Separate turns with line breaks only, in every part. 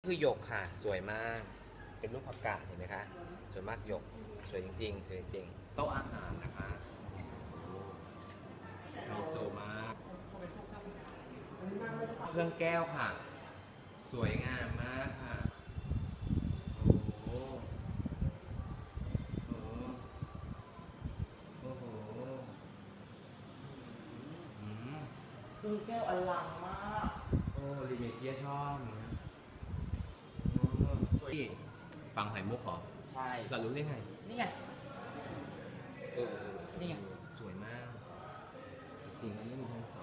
คือหยกค่ะสวยมากเป็นรูปผักกาดเห็นไหมคะสวยมากหยกสวยจริงๆสวยจริงโต๊ะอาหารนะคะไฮโซมากเครื่องแก้วค่ะสวยงามมากค่ะโอ้โหโอ้โหอืม
คือแก้วอลังมาก
โอ้ลิเมเจียชอบนะสวยฟังหอยมุกเหรอ
ใช่
เรารู้ได้ไง
นี่ไง
เออ
นี่ไง
สวยมาก จริงๆอันนี้มีทั้งสอง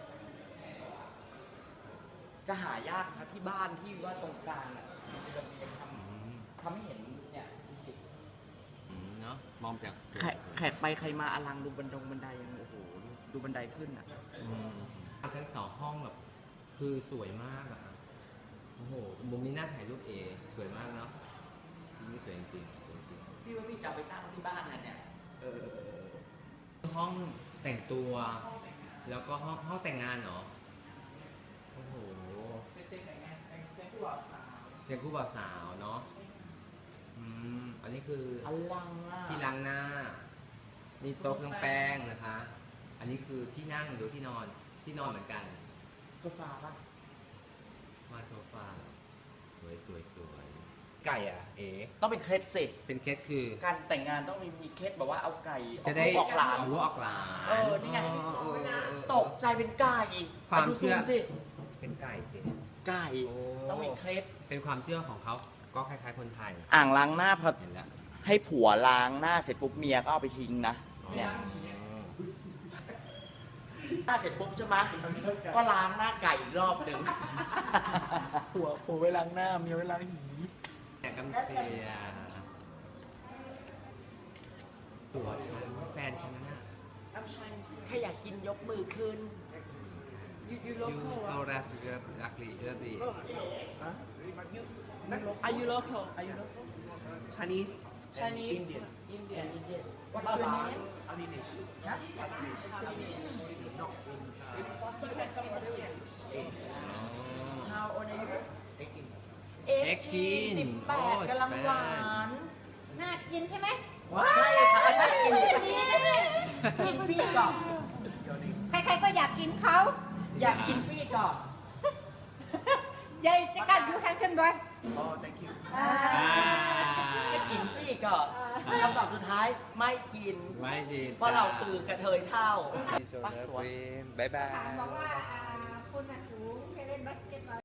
จะหายากครับที่บ้านที่ว่าตรงกลางอ่ะเป็นระเบียงทำให้เห็นเนี่ยดูสิ
เนาะมองจาก
แขกไปใครมาอลังดูบันไดยังโอ้โหดูบันไดขึ้นอ่ะ
ชั้นสองห้องแบบคือสวยมากอ่ะโอ้โหมุมนี้น่าถ่ายรูปสวยมากเนาะมุมนี้สวยจริงๆสวยจริง
พี่ว่าพี่จะเอาไปตั้งที่บ้านนะเนี่ย
เออห้องแต่งตัว แล้วก็ห้องแต่งงานเหรอโอ้โห
เป็นผู้บ่าวสาว
เป็นคู่บ่าวสาวเนาะอันนี้คือ
อลังอ่ะ
ที่ล้างหน้า มีโต๊ะเครื่องแป้งนะคะ อันนี้คือที่นั่งหรือที่นอนเหมือนกัน
โซฟาป่ะ
มาโซฟาสวยสวยสวยไก่อ่ะ
ต้องเป็นเคล็ดสิ
เป็นเคสคือ
การแต่งงานต้องมีเคล็ดแบบว่าเอาไก่
จะได้
ออกหลาน
เอาลูกออกหลาน
นี่ไง
เออ
ตกใจเป็นไก่
ความ
ดู
เชื่อ
ซูสิ
เป็นไก่สิ
ไก่
โอ้
ต้องมีเคล็ด
เป็นความเชื่อของเขาก็คล้ายๆคนไทย
อ่างล้างหน้าพอ
เห็นแล้ว
ให้ผัวล้างหน้าเสร็จปุ๊บเมียก็เอาไปทิ้งนะเนี่ยหน้าเสร็จปุ๊บใช่ไหมก็ล้างหน้าไก่อีกรอบหนึ่งผัวไว้ล้างหน้าเมียไว้ล้างหี
แต่กำเสียผัวฉันแฟนฉันน่ะ
ใครอยากกินยกมือขึ้นยู
ยูโซรักรักลีเลือดดี
Are you local? Are you local?
Chinese,
Chinese,
Indian.
Indian. What's your name?
Alinesh.
Yeah? How old are you?
18
18กำลังหวาน
น่ากินใช่ไหม
ใช่ค่ะอันนั้นกินใช่ไหมกินพี่ก่อน
ใครๆก็อยากกินเขา
อยากกินพี่ก่อน
ยายจะกัดอยู่แฮนเซมด้วย
Oh, thank you.
ให้กินพี่ก่อนคำตอบสุดท้ายไม่กิน
ไม่ดี
เพราะเราคือกระเทยเท่า
โซรักบายบาย
ถามบอกว่าคุณน่ะสูงให้เล่นบาสเกตบอล